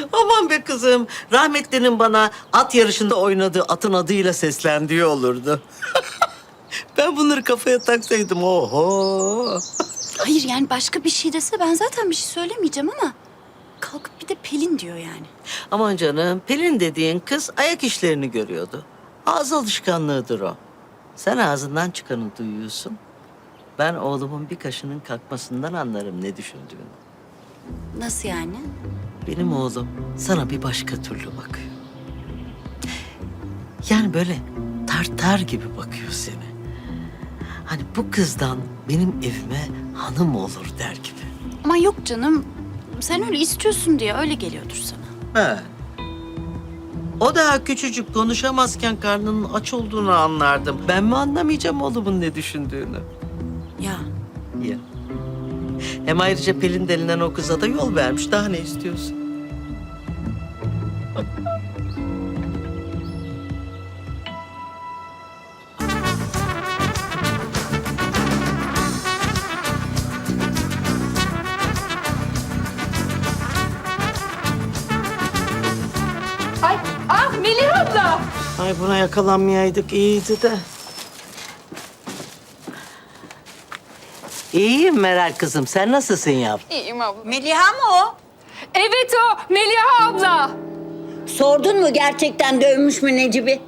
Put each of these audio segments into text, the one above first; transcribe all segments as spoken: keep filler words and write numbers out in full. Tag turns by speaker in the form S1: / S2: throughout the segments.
S1: Aman be kızım. Rahmetlinin bana at yarışında oynadığı atın adıyla seslendiği olurdu. Ben bunları kafaya taksaydım oho.
S2: Hayır yani başka bir şey dese ben zaten bir şey söylemeyeceğim ama... ...kalkıp bir de Pelin diyor yani.
S1: Aman canım, Pelin dediğin kız ayak işlerini görüyordu. Ağız alışkanlığıdır o. Sen ağzından çıkanı duyuyorsun. Ben oğlumun bir kaşının kalkmasından anlarım ne düşündüğünü.
S2: Nasıl yani?
S1: Benim oğlum sana bir başka türlü bakıyor. Yani böyle tartar gibi bakıyor seni. Hani bu kızdan benim evime hanım olur der gibi.
S2: Ama yok canım. Sen öyle istiyorsun diye öyle geliyordur sana.
S1: He. O daha küçücük konuşamazken karnının aç olduğunu anlardım. Ben mi anlamayacağım oğlumun ne düşündüğünü?
S2: Ya
S1: Ya. Hem ayrıca Pelin denilen o kıza da yol vermiş. Daha ne istiyorsun?
S3: Ay, ah Melih abla.
S1: Ay buna yakalanmayaydık iyiydi de. İyiyim Meral kızım. Sen nasılsın yavrum?
S3: İyiyim abla.
S4: Meliha mı o?
S3: Evet o, Melih abla.
S4: Sordun mu gerçekten dövmüş mü Necip'i?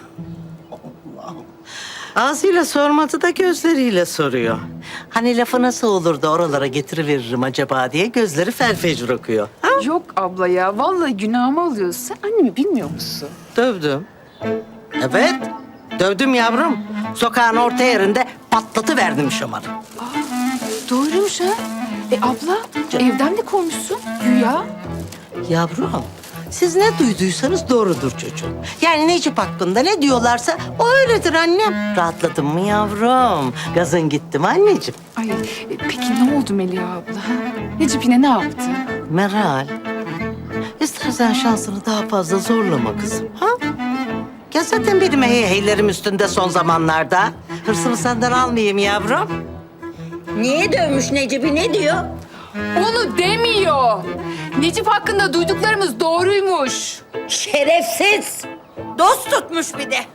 S1: Ağzıyla sormadı da gözleriyle soruyor. Hani lafı nasıl olur da oralara getiriveririm acaba diye gözleri felfecir okuyor. Ha?
S3: Yok abla ya, vallahi günahımı alıyorsun. Sen annemi bilmiyor musun?
S1: Dövdüm. Evet, dövdüm yavrum. Sokağın orta yerinde patlatıverdim şamarı.
S3: Doğruymuş ha. E abla, evden de kovmuşsun güya.
S1: Yavrum, siz ne duyduysanız doğrudur çocuğum. Yani Necip hakkında ne diyorlarsa o öyledir annem. Rahatladın mı yavrum? Gazın gitti mi anneciğim?
S3: Ay, e, peki ne oldu Melih abla? Ha? Necip yine ne yaptı?
S1: Meral, istersen şansını daha fazla zorlama kızım. Ha? Ya zaten benim hey heylerim üstünde son zamanlarda. Hırsımı senden almayayım yavrum.
S4: Niye dövmüş Necip'i ne diyor?
S3: Onu demiyor. Necip hakkında duyduklarımız doğruymuş.
S4: Şerefsiz. Dost tutmuş bir de.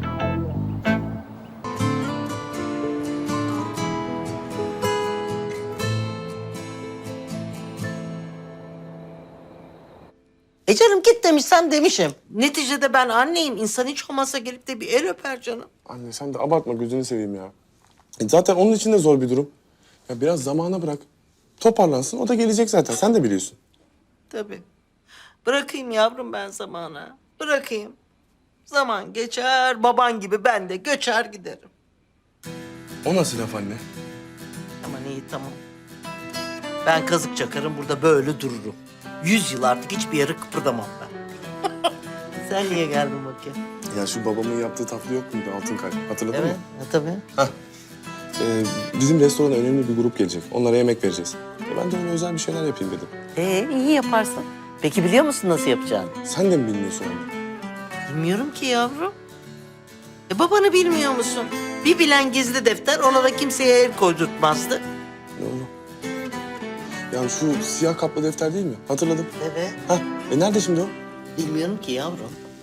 S1: E canım git demişsem demişim. Neticede ben anneyim. İnsan hiç olmazsa gelip de bir el öper canım.
S5: Anne sen de abartma gözünü seveyim ya. E zaten onun için de zor bir durum. Ya biraz zamana bırak. Toparlansın o da gelecek zaten sen de biliyorsun.
S1: Tabii. Bırakayım yavrum ben zamana. Bırakayım. Zaman geçer, baban gibi ben de göçer giderim.
S5: O nasıl laf anne?
S1: Aman iyi tamam. Ben kazık çakarım burada böyle dururum. Yüz yıl artık hiçbir yere kıpırdamam ben. Sen niye geldin bakayım?
S5: Ya şu babamın yaptığı tatlı yok muydu altın kalp? Hatırladın
S1: Evet,
S5: mı?
S1: ha, tabii.
S5: Hah. Ee, bizim restorana önemli bir grup gelecek. Onlara yemek vereceğiz. E ben de öyle özel bir şeyler yapayım dedim.
S1: Ee, iyi yaparsın. Peki biliyor musun nasıl yapacağını?
S5: Sen de mi bilmiyorsun anne?
S1: Bilmiyorum ki yavrum. E babanı bilmiyor musun? Bir bilen gizli defter ona da kimseye el koydurtmazdı.
S5: Doğru. Ya şu siyah kaplı defter değil mi? Hatırladım.
S1: Evet.
S5: Hah. E nerede şimdi o?
S1: Bilmiyorum ki yavrum.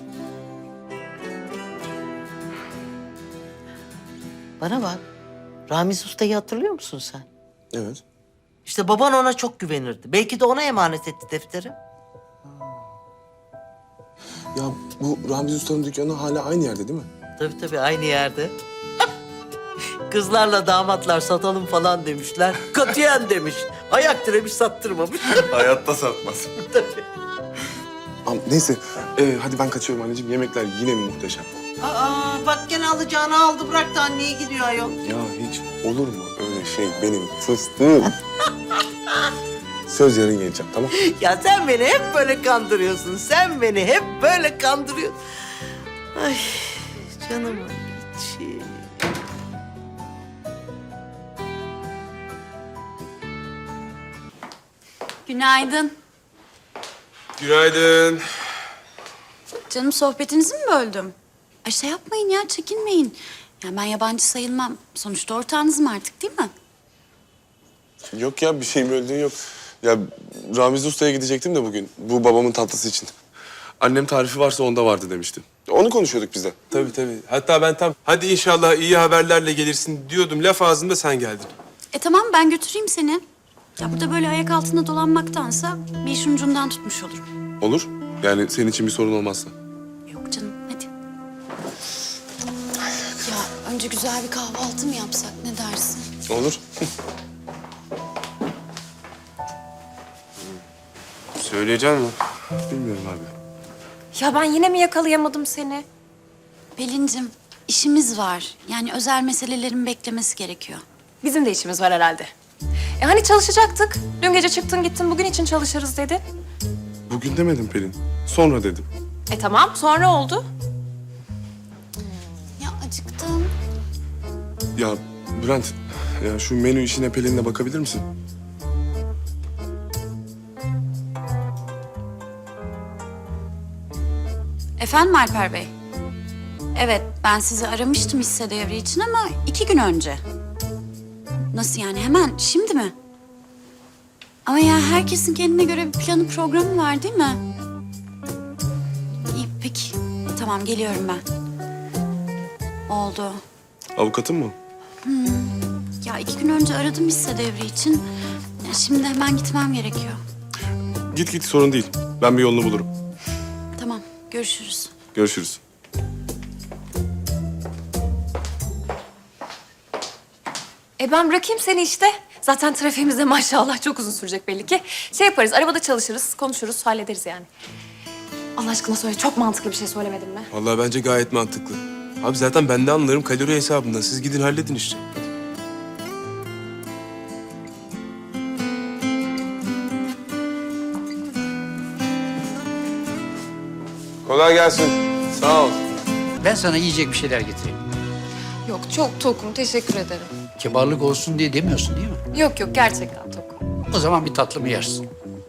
S1: Bana bak. Ramiz Usta'yı hatırlıyor musun sen?
S5: Evet.
S1: İşte baban ona çok güvenirdi. Belki de ona emanet etti defteri.
S5: Ya bu Ramiz Usta'nın dükkanı hala aynı yerde değil mi?
S1: Tabii tabii aynı yerde. Kızlarla damatlar satalım falan demişler. Katiyen demiş. Ayak diremiş sattırmamış.
S5: Hayatta satmaz.
S1: Tabii.
S5: Ama neyse. Ee, hadi ben kaçıyorum anneciğim. Yemekler yine mi muhteşem?
S1: Aa bak gene alacağını aldı bıraktı anneye gidiyor ayol.
S5: Ya hiç olur mu öyle şey benim fıstığım? Söz yarın geleceğim tamam?
S1: Ya sen beni hep böyle kandırıyorsun. Sen beni hep böyle kandırıyorsun. Ay canımın içi.
S2: günaydın.
S5: Günaydın.
S2: Canım sohbetinizi mi böldüm? Ay şey yapmayın ya çekinmeyin. Ya ben yabancı sayılmam. Sonuçta ortağınızım artık değil mi?
S5: Yok ya bir şey böldüğün yok. Ya Ramiz Usta'ya gidecektim de bugün. Bu babamın tatlısı için. Annem tarifi varsa onda vardı demişti. Onu konuşuyorduk biz de.
S6: Tabii tabii. Hatta ben tam hadi inşallah iyi haberlerle gelirsin diyordum. Laf ağzında sen geldin.
S2: E tamam ben götüreyim seni. Ya burada böyle ayak altında dolanmaktansa bir işin ucundan tutmuş olurum.
S5: Olur. Yani senin için bir sorun olmazsa.
S2: Yok canım hadi. Ya önce güzel bir kahvaltı mı yapsak ne dersin?
S5: Olur.
S6: Söyleyecek mi?
S5: Bilmiyorum abi.
S7: Ya ben yine mi yakalayamadım seni?
S2: Pelin'cim işimiz var. Yani özel meselelerin beklemesi gerekiyor.
S7: Bizim de işimiz var herhalde. E hani çalışacaktık? Dün gece çıktın gittin bugün için çalışırız dedin.
S5: Bugün demedim Pelin. Sonra dedim.
S7: E tamam sonra oldu.
S2: Ya acıktım.
S5: Ya Bülent, ya şu menü işine Pelin'le bakabilir misin?
S2: Efendim Alper Bey? Evet ben sizi aramıştım hisse devri için ama iki gün önce. Nasıl yani hemen şimdi mi? Ama ya herkesin kendine göre bir planı programı var değil mi? İyi peki. Tamam geliyorum ben. Oldu.
S5: Avukatın mı?
S2: Ya iki gün önce aradım hisse devri için. Ya şimdi hemen gitmem gerekiyor.
S5: Git git sorun değil. Ben bir yolunu bulurum.
S2: Tamam görüşürüz.
S5: Görüşürüz.
S7: E ben bırakayım seni işte. Zaten trafiğimizde maşallah çok uzun sürecek belli ki. Şey yaparız arabada çalışırız, konuşuruz, hallederiz yani. Allah aşkına söyle çok mantıklı bir şey söylemedim mi?
S6: Vallahi bence gayet mantıklı. Abi zaten ben de anlarım kalori hesabından. Siz gidin halledin işte.
S5: Kolay gelsin. Sağ ol.
S8: Ben sana yiyecek bir şeyler getireyim.
S7: Yok çok tokum teşekkür ederim.
S8: Kibarlık olsun diye demiyorsun değil mi?
S7: Yok yok gerçekten tokum.
S8: O zaman bir tatlı mı yersin?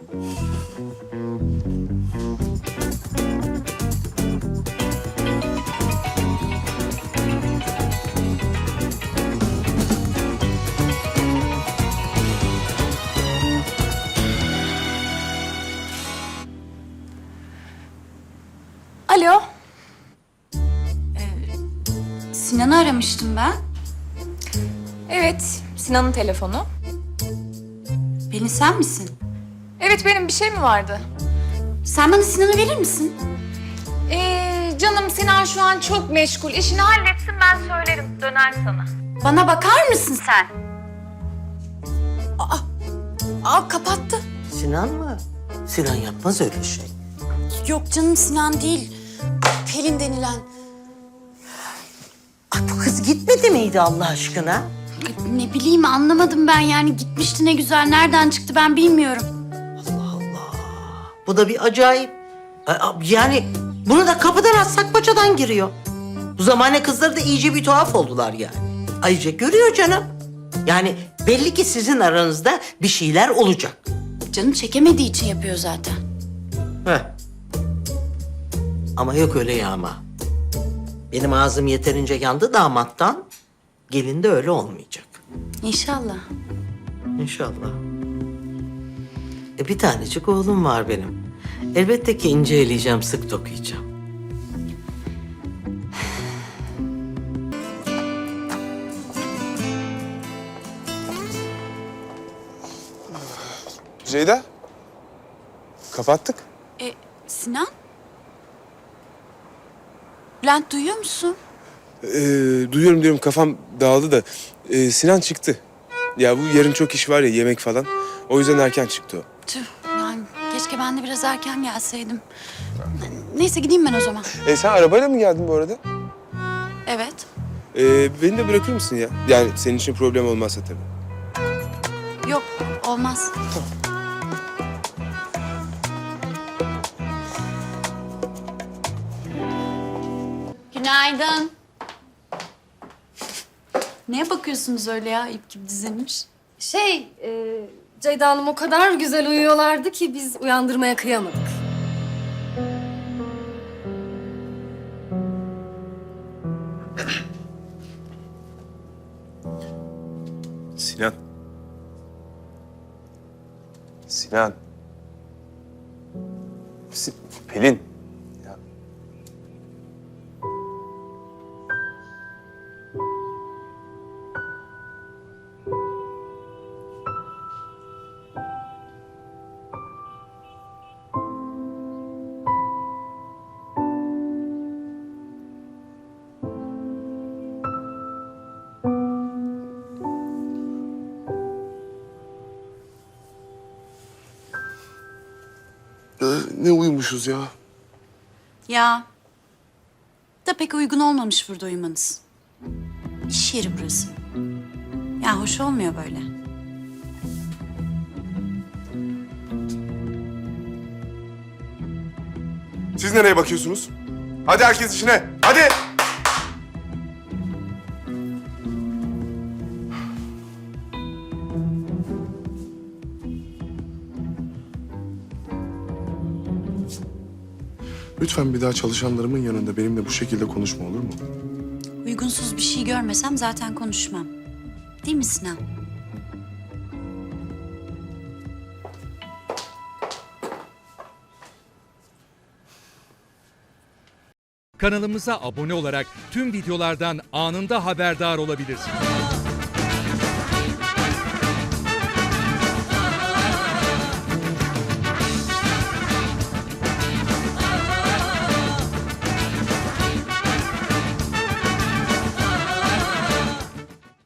S7: Alo.
S2: Sinan'ı aramıştım ben.
S7: Evet Sinan'ın telefonu.
S2: Pelin sen misin?
S7: Evet benim bir şey mi vardı?
S2: Sen bana Sinan'ı verir misin?
S7: Ee, canım Sinan şu an çok meşgul. İşini halletsin ben söylerim döner sana.
S2: Bana bakar mısın sen? Aa, aa kapattı.
S1: Sinan mı? Sinan yapmaz öyle şey.
S2: Yok canım Sinan değil. Pelin denilen.
S1: Ay bu kız gitmedi miydi Allah aşkına?
S2: Ay, Ne bileyim anlamadım ben yani gitmişti ne güzel. Nereden çıktı ben bilmiyorum.
S1: Bu da bir acayip. Ay, Yani bunu da kapıdan atsak paçadan giriyor. Bu zamane kızları da iyice bir tuhaf oldular yani. Ayrıca görüyor canım. Yani belli ki sizin aranızda bir şeyler olacak.
S2: Canım çekemediği için yapıyor zaten.
S1: Heh. Ama yok öyle yağma. Benim ağzım yeterince yandı damattan. Gelin de öyle olmayacak.
S2: İnşallah.
S1: İnşallah. E bir tanecik oğlum var benim. Elbette ki ince eleyeceğim, sık dokuyacağım.
S5: Ceyda. Kapattık.
S2: E, Sinan? Bülent duyuyor musun?
S6: Ee, duyuyorum diyorum kafam dağıldı da. Ee, Sinan çıktı. Ya bu yarın çok iş var ya yemek falan. O yüzden erken çıktı o.
S2: Tüh yani keşke ben de biraz erken gelseydim. Neyse gideyim ben o zaman.
S6: E, sen arabayla mı geldin bu arada?
S2: Evet.
S6: Ee, beni de bırakır mısın ya? Yani senin için problem olmazsa tabii.
S2: Yok olmaz. Günaydın. Neye bakıyorsunuz öyle ya ip gibi dizilmiş?
S9: Şey, e, Ceyda Hanım o kadar güzel uyuyorlardı ki biz uyandırmaya kıyamadık.
S6: Sinan. Sinan.
S5: Sinan. Si- Pelin. Ya. Ee, ne uyumuşuz ya.
S2: Ya da pek uygun olmamış burada uyumanız. İş yeri burası. Ya hoş olmuyor böyle.
S5: Siz nereye bakıyorsunuz? Hadi herkes işine. Hadi. Lütfen bir daha çalışanlarımın yanında benimle bu şekilde konuşma, olur mu?
S2: Uygunsuz bir şey görmesem zaten konuşmam. Değil mi Sinan?
S10: Kanalımıza abone olarak tüm videolardan anında haberdar olabilirsiniz.